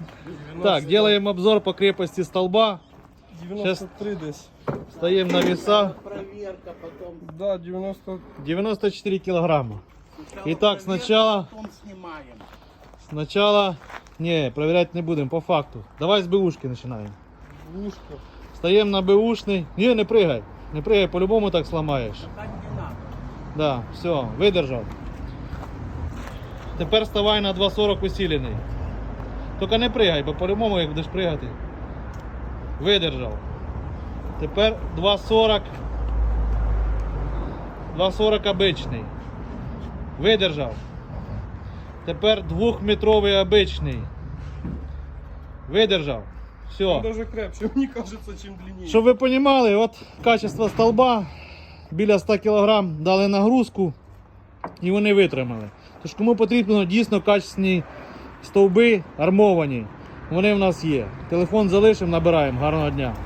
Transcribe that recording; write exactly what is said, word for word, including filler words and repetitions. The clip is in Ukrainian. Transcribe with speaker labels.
Speaker 1: Так, делаем обзор по крепости столба.
Speaker 2: девяносто три десь.
Speaker 1: Стоим на веса.
Speaker 3: Проверка, потом...
Speaker 2: Да, девяносто.
Speaker 1: девяносто четыре килограмма. Итак, сначала...
Speaker 3: Потом снимаем.
Speaker 1: Сначала... Не, проверять не будем, по факту. Давай с бэушки начинаем.
Speaker 2: Ушко.
Speaker 1: Стоим на бэушный. Не, не прыгай. Не прыгай, по-любому так сломаешь.
Speaker 3: Так не надо.
Speaker 1: Да, все, видержав. Тепер вставай на два сорок усилений. Тільки не пригай, бо по-любому як будеш пригати. Видержав. Тепер два сорок. два сорок обичний. Видержав. Тепер двохметровий обичний. Видержав. Все.
Speaker 2: Даже крепче, мені кажется, чим длиннее.
Speaker 1: Щоб ви розуміли, от качество столба біля ста кілограм дали нагрузку і вони витримали. Тож кому потрібно дійсно качественні стовби армовані, вони в нас є. Телефон залишимо, набираємо. Гарного дня.